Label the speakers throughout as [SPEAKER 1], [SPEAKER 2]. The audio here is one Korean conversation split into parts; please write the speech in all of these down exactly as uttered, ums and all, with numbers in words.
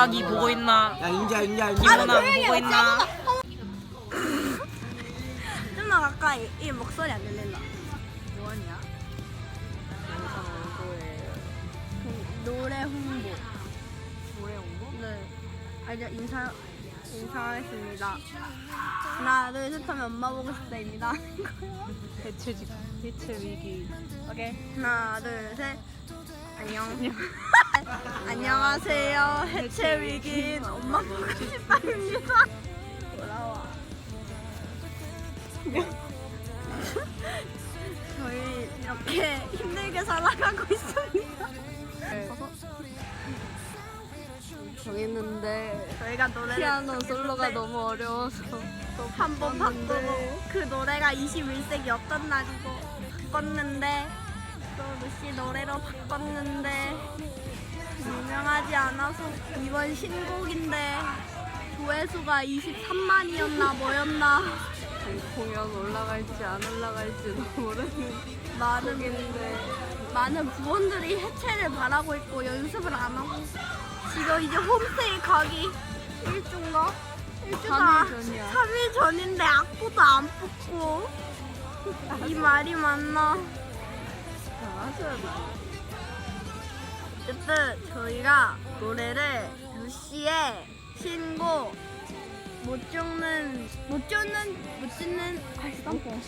[SPEAKER 1] 김은학이 보고 있나?
[SPEAKER 2] 야 인자 인자 인자.
[SPEAKER 1] 김은학 보고 있나?
[SPEAKER 3] 좀 더 가까이. 이 목소리 안 들린다.
[SPEAKER 4] 뭐하냐? 영상 홍보예요.
[SPEAKER 3] 노래 홍보.
[SPEAKER 4] 노래 홍보?
[SPEAKER 3] 네. 알죠? 인사, 인사하겠습니다. 하나, 둘, 셋 하면 엄마 보고 싶다입니다.
[SPEAKER 4] 대체직, 대체 위기.
[SPEAKER 3] 오케이. 하나, 둘, 셋. 안녕. 안녕하세요. 해체 위기인 엄마 보고 싶다입니다. 돌아와. 저희 이렇게 힘들게 살아가고 있습니다.
[SPEAKER 4] 네. 정했는데
[SPEAKER 3] 저희가 노래를
[SPEAKER 4] 피아노 솔로가 너무 어려워서
[SPEAKER 3] 한 번 바꾸고 그 노래가 이십일 세기 어떤 날이고 바꿨는데 또 루시 노래로 바꿨는데 유명하지 않아서 이번 신곡인데 조회수가 이십삼만이었나 뭐였나
[SPEAKER 4] 공연 올라갈지 안 올라갈지도 모르는
[SPEAKER 3] 많은
[SPEAKER 4] 곡인데
[SPEAKER 3] 많은 부원들이 해체를 바라고 있고 연습을 안 하고 지금 이제 홈스테이 가기 일주인가? 일주가
[SPEAKER 4] 삼 일 전이야.
[SPEAKER 3] 삼 일 전인데 악보도 안 뽑고 이 말이 맞나?
[SPEAKER 4] 잘하셔야 돼.
[SPEAKER 3] 어쨌든 저희가 노래를 루시의 신곡 못 죽는 못 죽는 못 죽는 알쌈뽕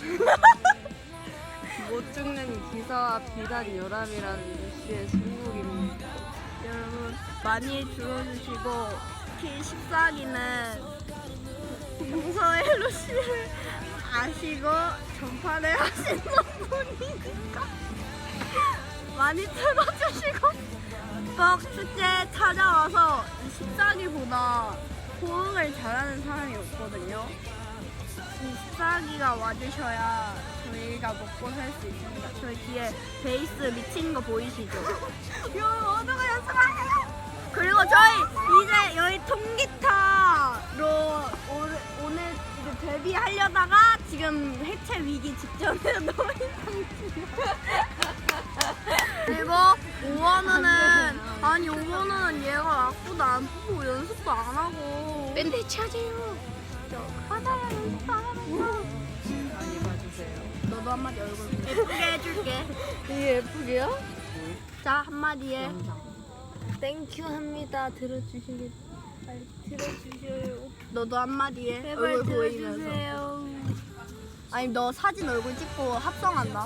[SPEAKER 4] 못 죽는 기사와 비단 요람이라는 루시의 신곡입니다.
[SPEAKER 3] 여러분 많이 들어주시고 특히 십사 기는 평소에 루시를 아시고 전파를 하시는 분이니까 많이 들어주시고 꼭 축제 찾아와서 이 십사 기보다 호응을 잘하는 사람이 없거든요. 이 십사 기가 와주셔야 저희가 먹고 살 수 있습니다. 저희 뒤에 베이스 미친 거 보이시죠? 요 어느가 연습하세요. 그리고 저희 이제 여기 통기타로 오늘, 오늘 이제 데뷔하려다가 지금 해체 위기 직전에 놓인 상태입니다. 그리고 오원우는 아니 오원우는 얘가 악보도 안 뽑고 연습도 안 하고
[SPEAKER 4] 밴드 차지요.
[SPEAKER 3] 하나야 연습 안 하면서
[SPEAKER 4] 많이 봐주세요.
[SPEAKER 3] 너도 한마디 얼굴 예쁘게 해줄게.
[SPEAKER 4] 이게 예쁘게요?
[SPEAKER 3] 자 한마디 해.
[SPEAKER 4] 땡큐 합니다. 들어주시길
[SPEAKER 3] 들어주세요. 너도 한마디 해.
[SPEAKER 4] 제발
[SPEAKER 3] 얼굴 보이면서.
[SPEAKER 4] 들어주세요.
[SPEAKER 3] 아니 너 사진 얼굴 찍고 합성한다.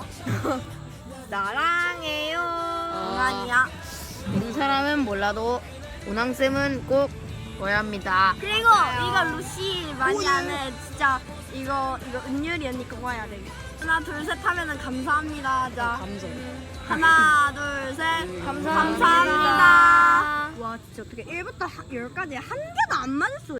[SPEAKER 1] 나랑해요.
[SPEAKER 3] 장난이야.
[SPEAKER 1] 이 사람은 몰라도 운항쌤은 꼭 보야 합니다.
[SPEAKER 3] 그리고 이거 루시 많이 아는 진짜 이거 이거 은율이 언니 그거 해야 돼. 하나 둘 셋 하면은 감사합니다. 자
[SPEAKER 1] 감정.
[SPEAKER 3] 하나 둘 셋
[SPEAKER 4] 감사합니다.
[SPEAKER 3] 감사합니다. 와 진짜 어떻게 일부터 열까지 한 개도 안 맞을 수